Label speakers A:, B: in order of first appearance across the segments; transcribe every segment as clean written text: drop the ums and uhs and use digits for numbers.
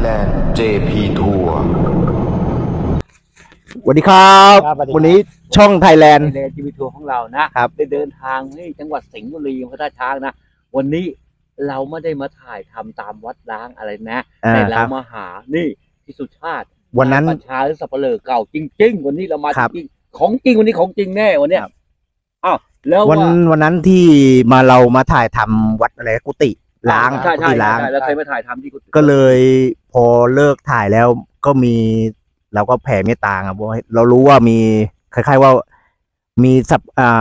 A: Thailand JP Tour
B: สวัสดีครับ วันนี้ช่องไทยแลนด์
C: จีวีทัวร์ของเรานะครับได้เดินทางที่จังหวัดสิงห์บุรีอำเภอท่าช้างนะวันนี้เราไม่ได้มาถ่ายทำตามวัดร้างอะไรนะแต่เรามาหานี่พี่สุชาติ
B: วันนั้น
C: ประชาหรือสับเปลือเก่าจริงๆวันนี้เรามา
B: ครับ
C: จริงๆของจริงวันนี้ของจริงแน่วันเนี้ยอ้าวแล้ว
B: วันนั้นที่เรามาถ่ายทำวัดอะไรกุฏิล้าง
C: ใช่
B: กุ
C: ใช่
B: ฏิล้าง
C: ใช่แล้วเคยมาถ่ายทำที่กุฏิ
B: ก็เลยพอเลิกถ่ายแล้วก็มีเราก็แผ่เมตตาครับว่าเรารู้ว่ามีคล้ายๆว่ามีสับ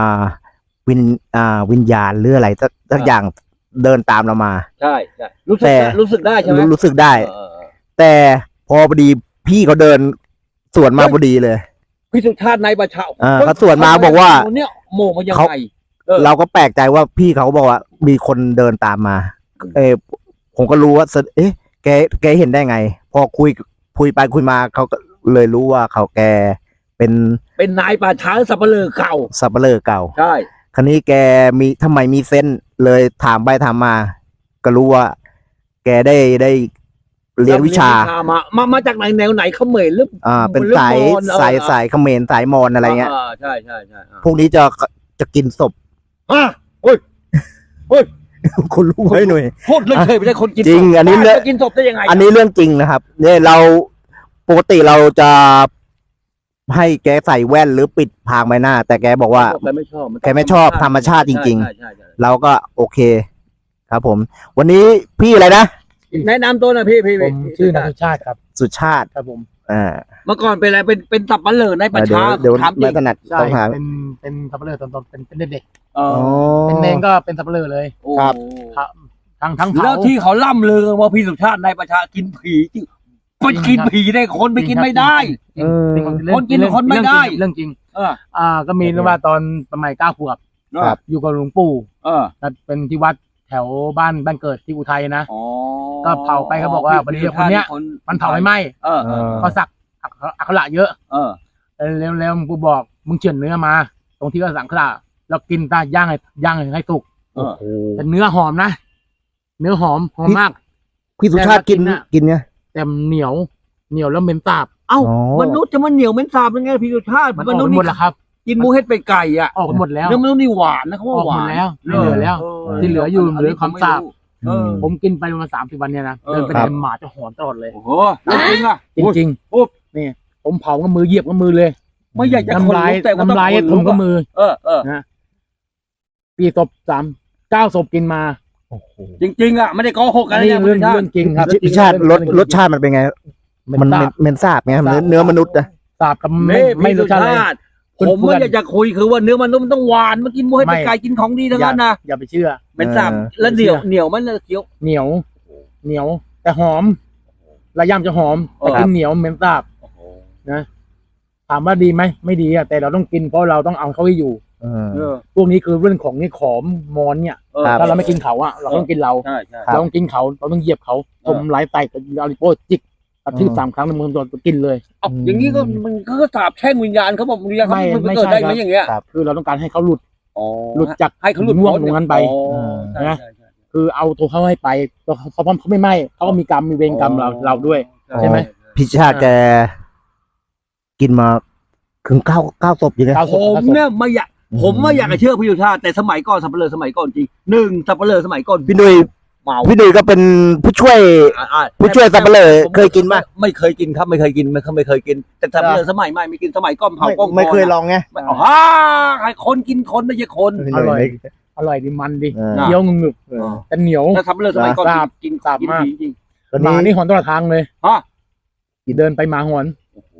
B: วิญญาณหรืออะไรสักอย่างเดินตามเรามา
C: ใช่ใช่รู้สึกได้ใช่ไหม
B: รู้สึกได้ แต่พอพอดีพี่เขาเดินสวนมาพอดีเลย
C: พี่สุชาติในประชา
B: เขาสวนมาบอกว่า
C: เนี่ยโมมายังไง
B: เราก็แปลกใจว่าพี่เขาบอกว่ามีคนเดินตามมา ผมก็รู้ว่าแกเห็นได้ไง พอคุยไปคุยมาเขาก็เลยรู้ว่าแกเป็น
C: นายป่าช้าสับเปลือเก่า
B: สับเปลือเก่า
C: ใช่
B: คราวนี้แกทำไมมีเส้นเลยถามไปถามมา ก็รู้ว่า แกได้เรียนวิชา
C: มาจากไหนแนวไหนเขมรหรือ
B: เป็นสายเขมรสายมอญอะไรเงี้ย
C: ใช่
B: พวกนี้จะกินศพ
C: โอ้ย
B: คุณรู้ไหมหน่วย
C: พูดเลยเคยไม่ใช่คนกิน
B: จริงอันนี้
C: จะกินศพได้ยังไง
B: อันนี้เรื่องจริงนะครับ เนี่ยเราปกติเราจะให้แกใส่แว่นหรือปิดพรางใบหน้า แต่แกบอกว่า
C: แกไม่ชอบ
B: แกไม่ชอบธรรมชาติจริง
C: ใช่
B: ๆ เราก็โอเค ครับผม วันนี้พี่อะไรนะ
C: แนะนำตัวนะพี่
D: ผมชื่อนายสุชาติครับ
B: สุชาติ
D: ครับผม
C: เมื่อก่อนเป็นอะไรเป็นสับปะเลอในประชา
B: เดี๋ยว
C: ถามจริ
B: ไม่
C: ง
B: ถนัด
D: ใช่
B: ต้องหา
D: เป็นสับเปลือตอนเป็นเด็ก
C: อ๋อ
D: ๆเป็นเนงก็เป็นสับเปลือเลย
B: ครับ
D: ทั้งเผา
C: แล้วที่เขาล่ำลือว่าพี่สุชาติในประชากินผีจริงไปกินผีได้คนไปกินไม่ได้ คนกินคนไม่ได้
D: เรื่องจริง ก็มี
B: เรื่องจริง
D: เรื่องว่าตอนสมัย9 ขวบ
B: ครับ
D: อยู่กับหลวงปู่
C: แล้ว
D: เป็นที่วัดแถวบ้านเกิดที่อุทัยนะ
C: อ๋อ
D: ก็เผาไปเขาบอกว่าวันนี้คนเนี้ย มันเผาไม่ไหม้ เขาสักอักขระเยอะแล้วหลวงปู่บอกมึงเฉือนเนื้อมา ตรงที่เขาสักอักขระแล้วกินตาย่างให้สุก
B: โอ้โห
D: แต่เนื้อหอมนะเนื้อหอมมาก
B: พี่สุชาติกินเนี่ย
D: แต่เหนียวแล้วเหม็นสาบ
C: เอ้า
B: อ๋อ
C: มนุษย์จะมันเหนียวเป็นสาบยังไงพี่สุชาติ
D: มันออก
C: นุษ
D: ไป
C: ย์
D: หมดแล้วครับ
C: กินหมูเห็ดเป็ดไก่อ่ะ
D: ออกไปหมดแล้ว
C: เนื้อมนุษย์นี่หวานนะเขา
D: อ
C: ว่า
D: อก
C: ห
D: หม
C: วา
D: ด
C: น
D: แล้วไม่เหลือแล้ว ที่เหลืออยู่เหลือความสาบ ผมกินไปประมาณ30 วันเนี่ยนะเดินไปไหนหมาจะหอนตลอดเลย
C: โอ้โหจริงอ่ะ
D: จริงๆนี่ผมเผากับมือเหยียบกับมือเลย
C: ไม่อยากจะ
D: น้ำลาย
C: แต่ว่าต้อง
D: ผมกับมือ
C: นะ
D: ปีศพ9 ศพกินมา
C: จริงๆอ่ะไม่ได้โกหกกัน
D: นี่
C: นะ
D: เรื่องจริงครับ
B: พี่ชาติรสชาติมันเป็นไง มันเหม็นสาบไงเนื้อมนุษย์อะ
D: สาบกับ
C: ไม่
D: ไม่รสชาติเลย
C: ผมไม่อยากจะคุยคือว่าเนื้อมันต้องหวานมากินหมูให้เป็นไก่กินของดีทั้งนั้นนะ
D: อย่าไปเชื่อ
C: เป็นสับแล้วเหนียวมันเลยเคี้ยว
D: เหนียวแต่หอมระยำจะหอมแต่กินเหนียวเหม็นสาบนะถามว่าดีไหมไม่ดีอะแต่เราต้องกินเพราะเราต้องเอาเขาให้อยู่พวกนี้คือเรื่องของนี่ขอมมอนเนี่ยถ้าเราไม่กินเขาอะเราต้องกินเรา
C: ใช่
D: เราต้องกินเขาเราต้องเหยียบเขาผมไล่ไตกับอาริโปจิกกระทืบ3 ครั้งในมือโดนกินเลย
C: อย่างนี้ก็มันก็สาบแช่งวิญญาณเขาบอกวิญญาณเขาเกิดได้ไหมอย่างเงี้ย
D: คือเราต้องการให้เขาหลุดจาก
C: ให้เขาหลุด
D: ง่วงตรงนั้นไปนะ คือเอาตัวเขาให้ไปเขาไม่ไหม้เขาก็มีกรรมมีเวรกรรมเราด้วยใช่ไหม
B: พี่ชาติแกกินมาถึงเก้าศพอยู่เลย
C: ผมเนี่ยไม่อยากจะเชื่อพี่สุชาติแต่สมัยก่อนสับเปลือสมัยก่อนจริงสับเปลือสมัยก่อน
B: พี่ดุย
C: เมา
B: พี่ดุยก็เป็นผู้ช่วยสับเปลือเคยกินไหม
C: ไม่เคยกินครับไม่เคยกินแต่สับเปลือสมัยใหม่ไม่กินสมัยก่อนเผากล้อง
B: ไม่เคยลองไง
C: ใครคนกินคนไม่ใช่คน
D: อร่อยดีมันดีเคี้ยวงึบแต่เหนียว
C: แต่สับเปลือสมัยก่อนกินจริง
D: หมานี่หอนตลอดทางเลยเดินไปหมาหอน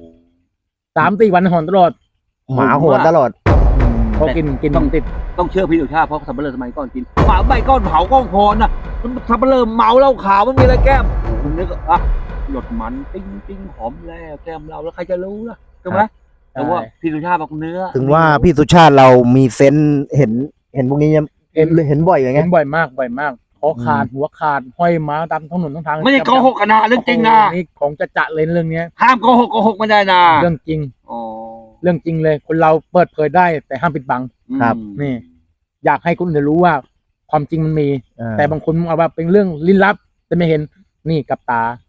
D: 3-4 วันหอนตลอด
B: หมาโหดตลอด
D: พอกินต้องติด
C: ต้องเชื่อพี่สุชาติเพราะสับเปลือสมัยก่อนกินหมาใบก้อนเผากล้องพรน่ะสับเปลือเมาเหล้าขาวมันมีอะไรแก้มผมนึกหยดมันติ้งหอมแล้วแก้มเราแล้วใครจะรู้ล่ะใช่ไหมแต่ว่าพี่สุชาติบอกเนื้อ
B: ถึงว่าพี่สุชาติเรามีเซนส์เห็นพวกนี้เห็นบ่อยอย่างเงี้
D: เห็
B: ย
D: นบ่อยมากคอขาดหัวขาดห้อยม้าตามถนนทาง
C: ไม่ได้โกหกกันนะเรื่องจริงนะ
D: นี่ของจะเลยเรื่องนี้
C: ห้ามโกหกไม่ได้นะ
D: เรื่องจริงเรื่องจริงเลยคนเราเปิดเผยได้แต่ห้ามปิดบัง
B: ครับ
D: นี่อยากให้คนอื่นรู้ว่าความจริงมันมีแต่บางคนเอาว่าเป็นเรื่องลี้ลับแต่ไม่เห็นนี่กับตา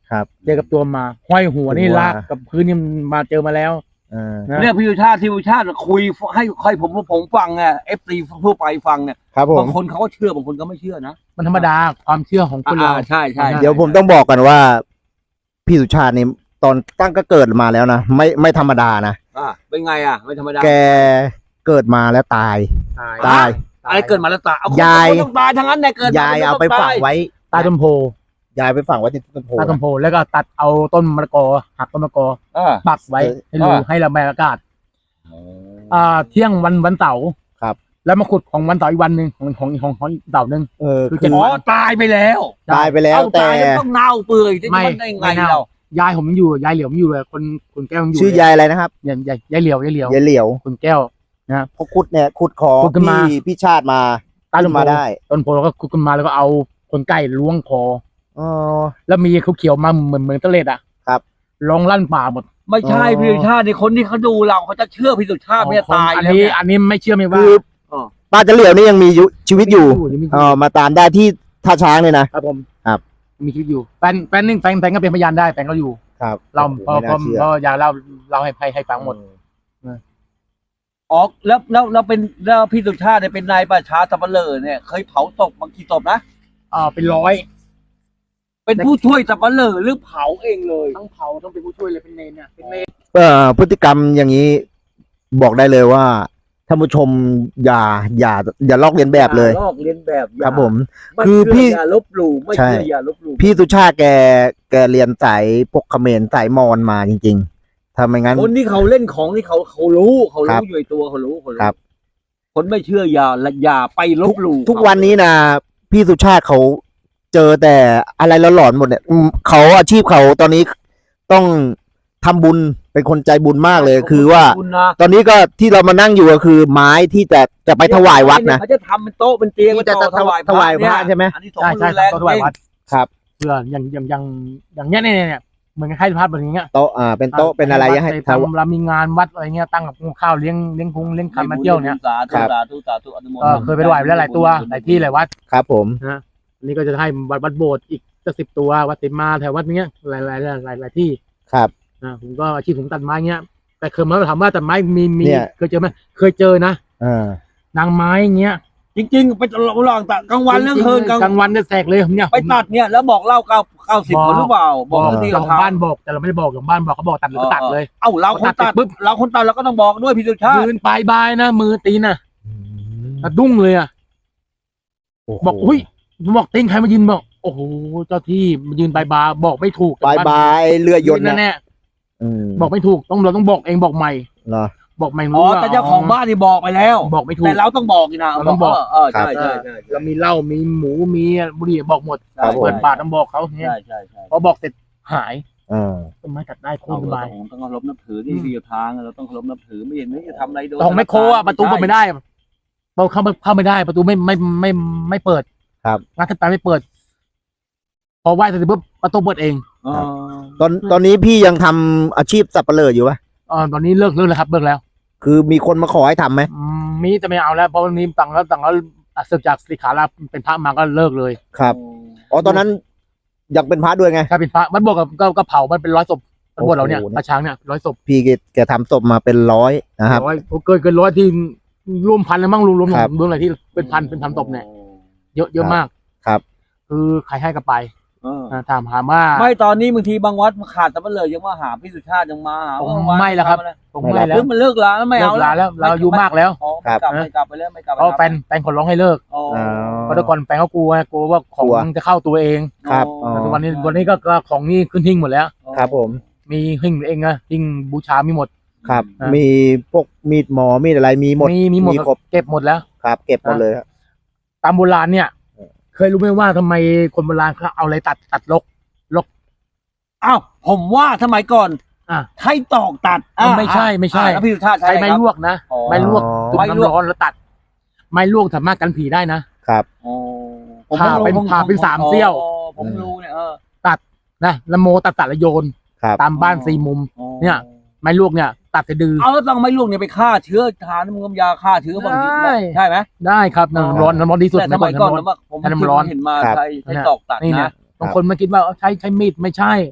B: ครับ
D: เจอกับตัวมาห้อยหัวนี่
B: หัว
D: ลากกับพื้นนี่มาเจอมาแล้ว นะ
C: เนี่ยพี่สุชาติคุยให้ผมฟังอ่ะเอฟซีทั่วไปฟังเนี่ย
B: ครับผม
C: บางคนเขาก็เชื่อบางคนก็ไม่เชื่อนะ
D: มันธรรมดาความเชื่อของคนเรา
C: ใช่
B: เดี๋ยวผมต้องบอกกันว่า พี่สุชาตินี่ตอนตั้งก็เกิดมาแล้วนะไม่ธรรมดานะ
C: เป็นไงอ่ะไม่ธรรมดา
B: แกเกิดมาแล้วตาย ตาย
C: อะไรเกิดมาแล้วตายเอาคน
B: ยาย
C: คนต้องตายทั้งนั้นเนี่ยเกิดม
B: ยายเอาไปฝังไว้
D: ตายต้นโพ
B: ยายไปฝังไว้ที่ต้นโพ
D: ตายต้นโพแล้วก็ตัดเอาต้นมะละกอหักต้นมะละกอ
C: เออ
D: ปักไว้ให้รูให้ระบายอากาศ เที่ยงวันเสาร์
B: ครับ
D: แล้วมาขุดของวันเสาร์อีกวันหนึ่งของอีกเสาร์หนึ่ง
B: คือ
D: เจ็ด
C: อ๋อ
D: วัน
C: ตายไปแล้ว
B: ตายไปแล้ว
C: เอา
B: แต่
C: ตายแล้วต้องเน่าเปื่อยจะ
D: ไม่
C: มันได้ไง
D: ไม่เน่า
C: เรา
D: ยายผมยังอยู่ยายเหลียวผมอยู่เลยคนแก้วยังอยู่
B: ชื่อยายอะไรนะครับ
D: ยายเหลียวย
B: ายเหลียว
D: คนแก้ว
B: พอขุดเนี่ยขุดคอ
D: ขุดขึ้นมา
B: พี่ชาติมา
D: ใต้ต้
B: ขึ้
D: น
B: น
D: โพ
B: มาได้
D: ต้นโพแล้วก็ขุดขึ้นมาแล้วก็เอาคนไก่ล้วงคอ
B: อ๋อ
D: แล้วมีเขาเขียวมาเหมือนตะเล็ดอ่ะ
B: ครับ
D: ลองลั่นป่าหมด
C: ไม่ใช่
B: อ๋อ
C: พี่สุชาติในคนที่เขาดูเราเขาจะเชื่อพี่สุชาติไม่ตาย
D: อัน
C: แล้ว
D: นี้
C: เนี่ย
D: อันนี้ไม่เชื่อไม่ว่า
B: คือป้าจะเหลียวนี่ยังมีชีวิตอยู่
D: ยังมี
B: มาตามได้ที่ท่าช้างเลยนะครับ
D: ผม
B: ครับ
D: มีชีวิตอยู่แฟนนึงแฟนก็เป็นพยานได้แฟนก็อยู่
B: ครับ
D: เราพอ
B: ไม่น่าเชื่อ
D: อยากเล่าให้ฟังหมด
C: อ๋อแล้วพี่สุชาติเนี่ยเป็นนายประชาสับเปลอเนี่ยเคยเผาศพบางกี่ศพนะ
D: เป็นร้อย
C: เป็นผู้ช่วยสับเปลอหรือเผาเองเลย
D: ทั้งเผาต้องเป็นผู้ช่วยเลยเป็นเนรเนี่ยเป็นเนร
B: พฤติกรรมอย่างนี้บอกได้เลยว่าท่านผู้ชมอย่าลอกเลียนแบบเลย
C: ลอกเลียนแบบอย่า
B: ครับผม
C: ไม่
B: คือ
C: เชื่
B: พี่
C: อย่าลบหลู่ไม่
B: ใช่
C: เชื่ออย่าลบหลู่
B: พี่สุชาติแกเรียนสายพวกเขมรสายมอญมาจริงๆถ้าไม่งั้น
C: คนที่เขาเล่นของที่เขารู้
B: ครับ
C: อยู่ในตัวเขารู้
B: ครับ
C: คนไม่เชื่ออย่าไปลบหลู่
B: ทุกวันนี้นะพี่สุชาติเขาเจอแต่อะไรหลอนๆหมดเนี่ยเขาอาชีพเขาตอนนี้ต้องทำบุญเป็นคนใจบุญมากเลย คือว่า
C: คุณนะ
B: ตอนนี้ก็ที่เรามานั่งอยู่ก็คือไม้ที่จะไปถวายวัดนะ
C: เขาจะทำเป็นโต๊ะเป็นเตียง
B: ที่จะ
C: ไว้ต่อ
B: ถวายพระใช่ไหม
C: อันนี้สง
D: ใช่
C: ฆ์
D: ใช่
C: รุนแรง
D: ต้องถวายวัด
B: ครับ
D: เพื่ออย่างเนี้ยเนี่ยเหมือนกับให้พระแบบนี้เงี้ย
B: โต๊ะเป็นโต๊ะเป็นอะไรให้
D: ทำเรามีงานวัดอะไรเงี้ยตั้งกับข้าวเลี้ยงคงเลี้ยงคันมาเที่ยวเนี่ย
C: สาธุ
B: ครับ
C: สาธุสาธุอนุโมท
D: ก็
C: นา
D: เคยไปถวายไปแล้วหลายตัวหลายที่หลายวัด
B: ครับผม
D: นะอันนี้ก็จะให้วัดโบสถ์อีกจะ10 ตัววัดติมาแถววัดเนี้ยหลายที่
B: ครับ
D: ผมก็อาชีพผมตัดไม้เงี้ยแต่เคยมาถามว่าตัดไม้มี
B: เนี่ย
D: เคยเจอไหมเคยเจอนะ นางไม้เงี้ย
C: จริงๆไปลองตัดกลางวันเรื่องคืน
D: กลางวันเนี่ยแสกเลยเนี่ย
C: ไปตัดเนี่ยแล้วบอกเล่า90คนหรือเปล่าบอกที่
D: ข
C: เรา
D: อง
C: ทำ
D: บ้านบอกแต่เราไม่ได้บอกของบ้านบอกเขาบอกตัดหรือก็ตัดเลย
C: เอ้าเราคนตัด
D: ปุ๊บ
C: เราคนตัดเราก็ต้องบอกด้วยพี่สุชาติ
D: ยืนปลายบายนะมือตีนน่ะสะดุ้งเลยอ่ะบอกอุ้ยบอกตีนใครมายืนบอกโอ้โหเจ้าที่มายืนปลายบายบอกไม่ถูก
B: บายเรือยนต์
D: นั่น
B: นะ
D: แน่บอกไม่ถูกเราต้องบอกเองบอกใหม่
B: เหรอ
D: บอกใหม่
C: อ๋อแต่เจ้าของบ้านนี่บอกไปแล้ว
D: บอกไม่ถูก
C: แต่เราต้องบอกอีกนะ
D: เราต้องบอก
C: ใช่ใช่ใช่
D: เรามีเหล้ามีหมูมีบุหรี่บอกหมด
B: ครับผม
D: เปิดบาทต้องบอกเขาเนี่ย
C: ใช่
D: พอบอกเสร็จหาย
B: อ่า
D: ต้นไม้ตัดได้โค
C: เรา
D: ตรสบาย
C: ต้องเคารพนับถือที่ดีทางเราต้องเคารพนับถือไม่เห็นจะทำอะไรโดย
D: ของแมคโครอ่ะประตูเปิดไม่ได้เข้าไม่ได้ ประตูไม่เปิด
B: ครับ
D: งานทันตาไม่เปิด พอไหว้เสร็จปุ๊บประตูเปิดเอง
B: ตอนนี้พี่ยังทำอาชีพสับปะเลออยู่ปะ
D: ตอนนี้เลิกแล้วครับเลิกแล้ว
B: คือมีคนมาขอให้ทำไหม
D: มีจะไม่เอาแล้วเพราะวันนี้ต่างแล้วศึกจากสิกขาลาเป็นพระมาก็เลิกเลย
B: ครับอ๋อตอนนั้นอยากเป็นพระด้วยไง
D: ถ้าเป็นพระวัดบวกก็เผามันเป็น100 ศพวัดบวกเราเนี่ย
B: โอ้โห
D: พระช้างเนี่ย100 ศพ
B: พี่แกทำศพมาเป็น100นะครับ
D: เกิน100ที่รวมพันแล้วมั่งรวม
B: ครับ
D: อะไรที่เป็นพันศพเนี่ยเยอะมาก
B: ครับ
D: คือใครให้ก็ไปถามว่า
C: ไม่ตอนนี้บางทีบางวัดขาดแต่มันเลยยังมาหาพี่สุชาติยังมาหา
D: ผมไม่แล้วครับ ผมไม่แล้ว
C: มันเลิกแล้วไม่เอา
D: เลิกลาแล้วเราอายุมากแล้ว
C: ไม่กลับไปแล้วไม่กลับ
D: เพราะแฟนขอร้องให้เลิก
B: อ๋อ
D: เพราะแต่ก่อนแฟนเขากลัวว่าของจะเข้าตัวเอง
B: ครับอ๋อ
D: แต่วันนี้ก็ของนี่ขึ้นหิ้งหมดแล้ว
B: ครับผม
D: มีหิ้งเองนะหิ้งบูชามีหมด
B: ครับ
D: อ่ะ
B: มีพวกมีดหมอมีดอะไรมีหมด
D: มีหมด
B: ครบ
D: เก็บหมดแล้ว
B: ครับ เก็บหมดเลยครับ
D: ตามโบราณเนี่ย เคยรู้ไหมว่าทำไมคนโบราณเขาเอาอะไรตัดลก
C: อ้าวผมว่าสมัยก่อน
D: อ่ะ
C: ให้ตอกตัด
D: ไม่ใช่
C: แล้วพี่สุชาติ
D: ใช้ไม้ลวกนะ
C: อ๋อ
D: ไม้ลวกจุ่ม
C: ไม้ลวก
D: น้ำร้อนแล้วตัด ไม้ลวกสามารถกันผีได้นะ ผ่าเป็น3 เสี้ยว
C: ผมรู้เนี่ย
D: นะแล้วโมตัดแล้วโยน
B: ครับ
D: ตามบ้าน4 มุม เนี่ย ไม้ลวกเนี่ย ตัดสะดือ
C: เอาแล้วต้องไม่ลวกเนี่ยไปฆ่าเชื้อทานน้ำยาฆ่าเชื้อบางที
D: ได้
C: ใช่ไหม
D: ได้ครับน้ำร้อนที่สุด
C: แต่สมัยก่อนผม
D: น้ำร้อน
C: เห็นมาใช้ตอกตัด
D: นี่เนี่
C: นะ
D: ยบางคนมาคิดว่าใช้มีดไม่ใช่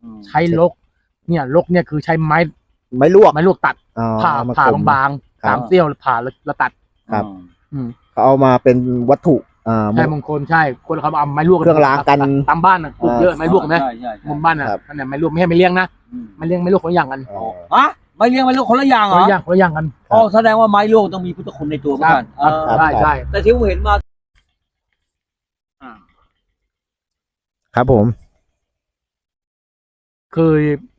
D: ใช้ลกเนี่ยลกเนี่ยคือใช้ไม้
B: ไม่ลวก
D: ตัด
B: อ๋อ
D: ผ่า
B: เอม
D: ผ่า
B: คม
D: บาง
B: ครับ
D: ๆ3 เสี้ยวแล้วผ่าแล้วตัด
B: ครับ
D: อืม
B: เขาเอามาเป็นวัตถุ
D: ใช่มงคลใช่คนเขาเอาไม้ลวก
B: เครื่องรางกัน
D: ตามบ้านปลูกเยอะไม้ลวกนะ
C: ใช่ใช่
D: มุมบ้านอ่ะ
B: ครับ
D: นั่นแหละไม้ลวกไม่ให้ไม่เลี้ยงนะไม้เลี้ยงไม้ลวกคนละอย่างกัน
B: อ๋อ
C: ฮะไม่เลี้ยงไม่ลูกคนละอย่างเหร
D: คน
C: อ
D: ละอย่างกัน
C: อ๋อแสดงว่าไม้ลวกต้องมีพุทธคุณในตัวเหมือนกัน
D: ครับ
B: ครับ
D: ใช่ใช่
C: แต่ที่ผมเห็นมา
B: ครับผม
D: เคย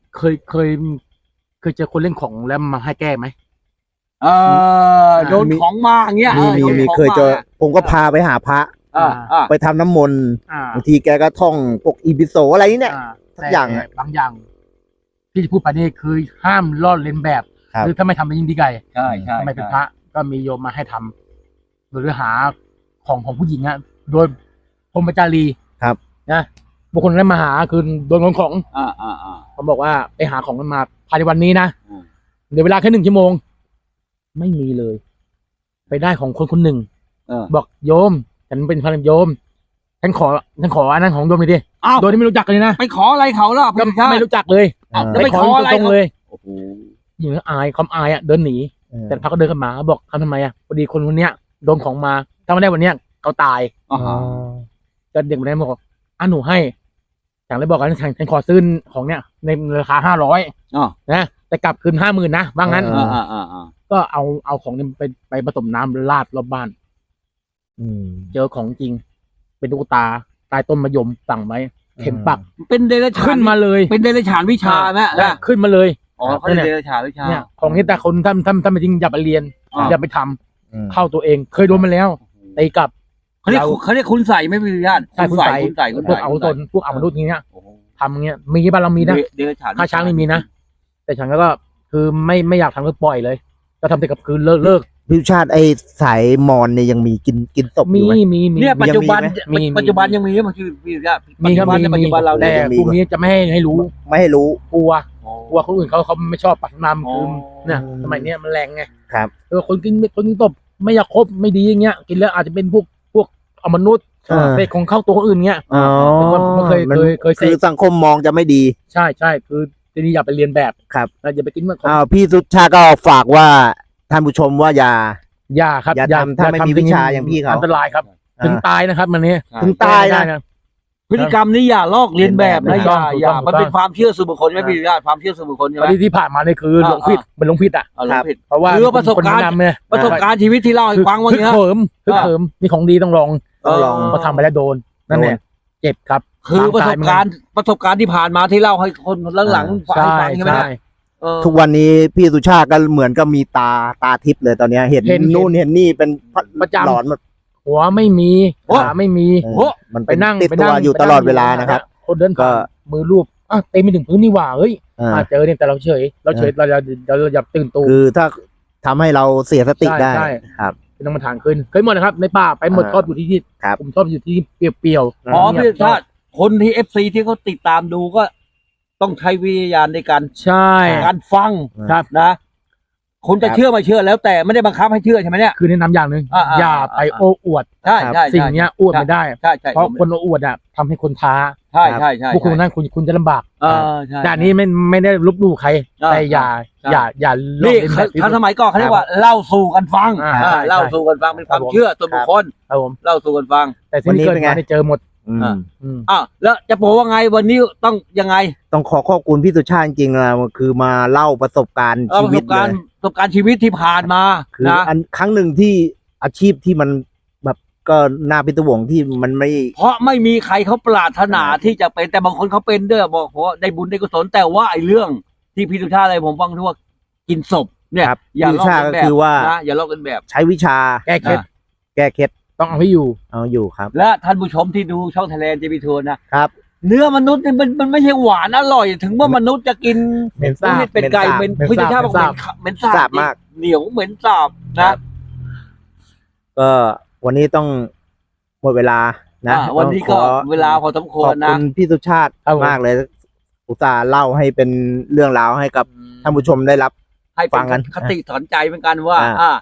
D: เจอคนเล่นของแล้วมาให้แก้ไหม
C: โดนของมาอย่างเงี้ย
B: มี
C: โดนของ
B: เคยเจอ
C: มา
B: ผมก็พาไปหาพระ
C: อ่า
B: ไปทำน้ำมนต์
D: อ่า
B: บางทีแกก็ท่องพวกอีพิโซอะไรนี่เนี่ย สักอย่าง
D: แต่บางอย่างที่จะพูดไปนี่คือห้ามลอกเลียนแบบ
B: ครับ
D: หรือถ้าไม่ทำเป็นยิ่งดีไกล
C: ใช่ใช่
D: ทำไมเป็นพระก็มีโยมมาให้ทำหรือหาของผู้หญิงอะโดยพรหมจารี
B: ครับ
D: นะบุคคลนั้นมาหาคือโดนของ
C: อ่า
D: เขาบอกว่าไปหาของมันมาภายในวันนี้นะ
C: อืม
D: เดี๋ยวเวลาแค่1 ชั่วโมง ไม่มีเลย ไปได้ของคนคนหนึ่ง บอกโยม ฉันเป็นพระโยมฉันขออันนั้นของโยมเลยดิ
C: อ้าว
D: โดยที่ไม่รู้จักกันเลยนะ
C: ไปขออะไรเขาล่ะ
D: ก็
C: พี่ชา
D: ไม่
C: ติ
D: รู้จักเลย
C: อ้าว
B: เออ
C: แล้วไปขออะไร
D: ตรงๆเลย
C: โอ้โห
D: หญิงอายความอายอ่ะเดินหนี แต่พระก็เดินเข้ามาบอกทำไมอ่ะพอดีคนคนเนี้ยโดนของมาถ้าไม่ได้วันเนี้ยเขาตาย
C: อ่าฮะ
D: ก็เด็กคนนั้นบอกหนูให้ฉันเลยบอกกันฉันขอซื้อของเนี้ยในราคา500
C: อ๋อ
D: นะแต่กลับคืน50,000นะว่างั้น
C: อ่า
D: ก็เอาของนี้ไปผสมน้ำราดรอบบ้าน เจอของจริง เป็นตุ๊กตาใต้ต้นมะยมสั่งไว้เข็มปัก
C: เป็นเดรัจฉาน
D: ขึ้นมาเลย
C: เป็นเดรัจฉานวิชาไหมนะ
D: ขึ้นมาเลย
C: อ๋อเขาเรียกเดรัจฉานวิชา
D: เนี่ยของนี้แต่คนท่านไม่จริงอย่าไปเรียน
C: อ่า
D: อย่าไปทำเข้าตัวเองเคยโดนมาแล้วตีกลับ
C: เขาเรียกคุณใส่ไม่มีญาติ
D: ใช่คุณใส่
C: คุณใส่
D: พวกเอาตนพวกเอามนุษย์อย่างเงี้ย
C: โอ้โห
D: ทำอย่างเงี้ยมีบ้านเรามีนะ
C: เดรัจฉาน
D: ถ้าช้างไม่มีนะ แต่ฉันก็คือไม่อยากทำก็ปล่อยเลยก็ทำแต่กับคืนเลิก
B: พิวชาติไอ้สายมอนเนี่ยยังมีกินศพอ
D: มี
B: ยู่ไหม
C: เนี่ยปัจจุบัน
D: มี
C: ปัจจุบันยังมีมันคือพี่ญาติ
D: มีครับ
C: ปัจจุบันเรา
D: แต่
C: เนี่ย
B: มี
D: พวกนี้จะไม่ให้รู้
B: ไม่ให้รู้
D: กลัวคนอื่นเขาไม่ชอบปักน้ำคือ
C: อ๋อ
D: เนี่ยสมัยเนี้ยมันแรงไง
B: ครับ
D: คนกินตบไม่อยากคบไม่ดีอย่างเงี้ยกินแล้วอาจจะเป็นพวกอมนุษย์
B: เออ
D: เศษของเข้าตัวคนอื่นเงี้ย
B: อ๋อ
D: ผมเคย
B: มัน
D: เส
B: คือ
D: พ
B: สังคมมองจะไม่ดี
D: ใช่คือทีนี้อย่าไปเรียนแบบ
B: ครับ
D: แล้วอย่าไปกินเมื่อของ
B: พี่สุชาติก็ฝากว่าท่านผู้ชมว่าอย่า
D: อย่าครับ
B: อย่าทำถ้าไม่มีวิชาอย่างพี่เขา
D: อันตรายครับ ถึงตายนะครับมันนี้
B: ถึงตาย
D: ได้
B: นะ
C: พฤติกรรมนี้อย่าลอกเลียนแบบนะ
B: ถูกต้อง
C: อย่า
D: ถูกต้อง
C: มันเป็นความเชื่อส่วนบุคคลใช่ไหมพี่ญาติความเชื่อส่วนบุคคลใช่ไหม
D: ที่ผ่านมาเนี่ยคือหลงผิดเป็นหลงผิดอ่ะ
C: เอาหลงผิด
D: เพราะว่า
C: คือประสบการณ์
D: คนแนะนำเนี่ย
C: ประสบการณ์ชีวิตที่เล่าให้ฟังวัน
D: ฮึก
C: นี้
D: เหิมมีของดีต้องลอง
B: ต้องลอง
D: พอทำไปแล้วโดนนั่นแหละเจ็บครับ
C: คือประสบการณ์ที่ผ่านมาที่เล่าให้คนหลังๆฟัง
D: ใช่
C: ใช่ไหม
D: ใช่
B: ทุกวันนี้พี่สุชาติก็เหมือนกับมีตาทิพย์เลยตอนเนี้ยเห็น
D: เห็น
B: นู่นเห็นนี่เป็น
D: ประจำ
B: หลอนหมด
D: หัวไม่มีขาไม่มี
B: มัน
D: ไปนั่ง
B: ติดตัวอยู่ตลอดเวลานะครับ
D: คนเดินผ่านมือรูปเต็มไปถึงพื้นนี่หว่าเฮ้ย เจอเนี่ยแต่เราเฉยเราอย่าตื่นตู
B: คือถ้าทำให้เราเสียสติได้
D: ใช่
B: ครับ
D: เป็นต้องมาทางขึ้นเคยหมดนะครับ ในป่าไปหมด
B: อ่า
D: ชอบอยู่ที่
B: ครับ
D: ผมชอบอยู่ที่เปรี้ยวๆ
C: อ๋อ
D: เงี
C: พี่
D: ยบ
C: ชาติคนที่ FC ที่เขาติดตามดูก็ต้องใช้วิญญาณในการ
D: ใช่
C: การฟัง
D: ครับ
C: นะคุณจะเชื่อไม่เชื่อแล้วแต่ไม่ได้บังคับให้เชื่อใช่ไหมเนี่ย
D: คือแนะนำอย่างหนึ่ง อย่าไปโอ้อวด
C: ใช่ใช่
D: สิ่งเนี้ยอวดไม่ได้
C: ใช่ใช่
D: เพราะคนโอ้อวดทำให้คนท้า
C: ใช่ใช่ใช่
D: พวกคุณนั่นคุณจะลำบาก
C: ใช่
D: แต่อันนี้ไม่ได้ลบหลู่ใคร แต่อย่าลอก
C: นี่
D: เลียนแบบ
C: ถ้าสมัยก่อนเขาเรียกว่าเล่าสู่กันฟัง
D: ใช่
C: เล่าสู่กันฟังเป็นความเชื่อส่วนบุคคล
D: ครับผม
C: เล่าสู่กันฟัง
D: แต่ที่นี่เกิดมาได้เจอหมด อืม
C: แล้วจะบอกว่าไงวันนี้ต้องยังไง
B: ต้องขอบคุณพี่สุชาติจริงๆนะคือมาเล่าประสบการณ์
C: เอา
B: ชี
C: ประ
B: วิ
C: ส
B: ต
C: บ
B: เล
C: การณ์
B: ย
C: ประสบการณ์ชีวิตที่ผ่านมา
B: คือ
C: นะ
B: อันครั้งหนึ่งที่อาชีพที่มันแบบก็น่าพิศวงที่มันไม่
C: เพราะไม่มีใครเขาปรารถนาที่จะเป็นแต่บางคนเขาเป็นด้วยบอกว่าได้บุญได้กุศลแต่ว่าไอ้เรื่องที่พี่สุชาติอะไรผมฟังที่ว่ากินศพเนี่ย
B: ครับ
C: อย่าลอก
B: พี่สุชาติ
C: กันแบ
B: ก็
C: บ
B: คือว่า
C: นะอย่าลอกกันแบบ
B: ใช้วิชา
D: แก้เคล็ด
B: แก้เคล็ด
D: ต้องเอาให้อยู่
B: เอาอยู่ครับ
C: และท่านผู้ชมที่ดูช่องไทยแลนด์จะมีทัวร์นะครับ เนื้อมนุษย์เนี่ยมันไม่ใช่หวานอร่อย ถึงว่ามนุษย์จะกิน
D: เหม็นสาบ
C: เป็นไก่
B: เหม็นสาบ
C: เป็นพี่สุชาติบอกเหม็นสา
B: สา
C: บบ
B: มาก
C: เหนียวเหม็นสาบ
B: ครั
C: นะ
B: บ ก็วันนี้ต้องหมดเวลานะ
C: วันนี้ก็
B: ต้องขอ
C: เวลาพอสมค
B: ข
C: ว
B: อ
C: ร
B: บ
C: นะ
B: คุณพี่สุชาติ
D: ครับผม
B: มากเลย อุตส่าห์เล่าให้เป็นเรื่องราวให้กับท่านผู้ชมได้รับ
C: ให้
B: ฟั
C: เป็น
B: งกัน
C: คติสอนใจเหมือนกันว่า
B: อ่า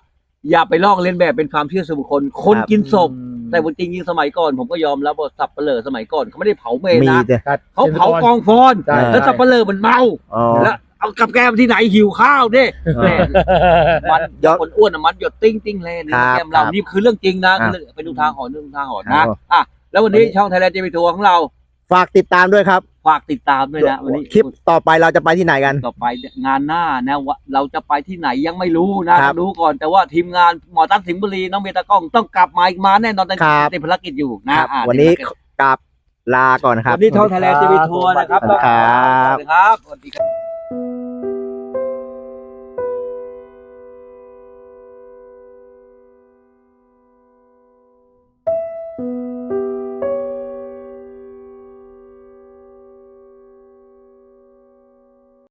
C: อย่าไปลอกเลียนแบบเป็นความเชื่อส่วนบุคคลคนกินศพแต่จริงๆสมัยก่อนผมก็ยอมรับว่าสับเปลือสมัยก่อนเขาไม่ได้เผาเมน
B: มี
C: นะ
B: แต่
C: เขาเผากองฟอน
D: ใช่
C: แล้วสับเปลือมันเมา
B: อ๋อ
C: แล้วเอากับแกมที่ไหนหิวข้าวดิแม่มัน
B: ยอด
C: คนอ้วนน่ะมันหยดติ้งติ้งเลยนี่
B: ครับ
C: แกมเรา
B: ครับ
C: นี่คือเรื่องจริงนะ
B: อ่ะ
C: ไปดูทางหอนดูทางหอน
B: ครั
C: นะ
B: บ
C: อ่ะแล้ววันนี้ช่องไทยแลนด์จะไปทัวร์ของเรา
B: ฝากติดตามด้วยครับ
C: ฝากติดตามด้วยนะวันนี้
B: คลิปต่อไปเราจะไปที่ไหนกัน
C: ต่อไปงานหน้านะว่าเราจะไปที่ไหนยังไม่รู้นะครับ รู้ก่อนแต่ว่าทีมงานหมอตั้งสิงห์บุรีน้องเมตากล้องต้องกลับมาอีกมาแน่นอนแต่
B: ครับ
C: ติดภารกิจอยู่นะครับ อ่ะ
B: วันนี้
C: ติดภารกิจ
B: กลับลาก่อนครับ
C: วันนี้ช่องไทยแลนด์จะไปทัวร์นะครับ
B: สวัสดีครับ
C: สวัสดีครับสวัสดีครับ